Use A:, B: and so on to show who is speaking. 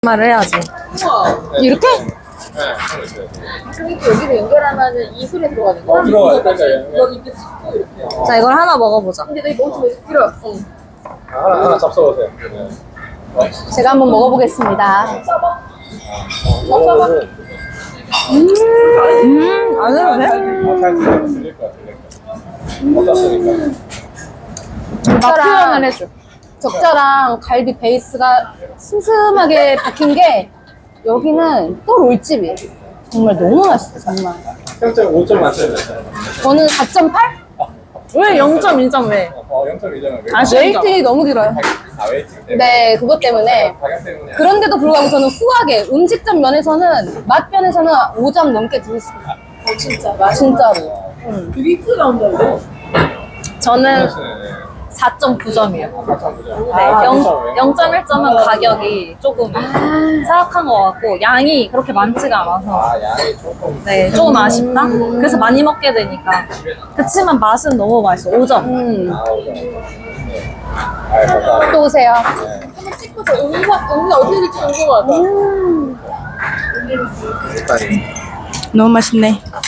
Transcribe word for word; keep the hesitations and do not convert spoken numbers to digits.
A: 말을 해야지. 이렇게?
B: 네.
C: 그러니까 여기를 연결하면은 이 소리 들어가는 거야?
B: 어, 들어가요.
C: 다시
B: 그러니까,
C: 여기 이렇게 찍고 이렇게.
A: 자, 이걸 하나 먹어보자.
C: 근데 너 멈추고 들어. 응.
B: 하나, 하나 잡숴보세요. 네.
A: 제가 한번 먹어보겠습니다.
B: 이거는
A: 음, 안 해도 돼?
B: 어, 잘 들릴 들릴 거야, 들릴 거야. 어떻습니까?
A: 맛 표현을 해줘. 적자랑 갈비 베이스가 슴슴하게 박힌 게 여기는 또 롤집이에요. 정말 너무 맛있어, 정말.
B: 평점 오 점 만점이네.
A: 저는 사 점 팔? 왜 영 점 일 점 왜?
B: 어, 영 점 이 점은 왜?
A: 아, 웨이팅이 너무 길어요.
B: 아, 웨이팅 때문에?
A: 네, 그것 때문에.
B: 가격 때문에.
A: 그런데도 불구하고 저는 후하게 음식점 면에서는 맛 면에서는 오 점 넘게 드렸습니다.
C: 어 진짜 맛있.
A: 진짜로. 응.
C: 되게 크게 나온다는데?
A: 저는
B: 네.
A: 사 점 구 점이에요.
B: 사점 구 점.
A: 네,
B: 아,
A: 영,
B: 그렇죠.
A: 영 점 일 점은 가격이 조금 사악한 것 같고 양이 그렇게 많지가 않아서
B: 아, 양이 조금.
A: 네, 조금 아쉽다. 그래서 많이 먹게 되니까. 그치만 맛은 너무 맛있어. 오 점. 음.
B: 아, 오 점. 네. 아, 감사합니다.
A: 또 오세요.
B: 네.
C: 한번 찍고 저 음악 음악 어떻게 될지 궁금하다.
B: 일단
A: 너무 맛있네.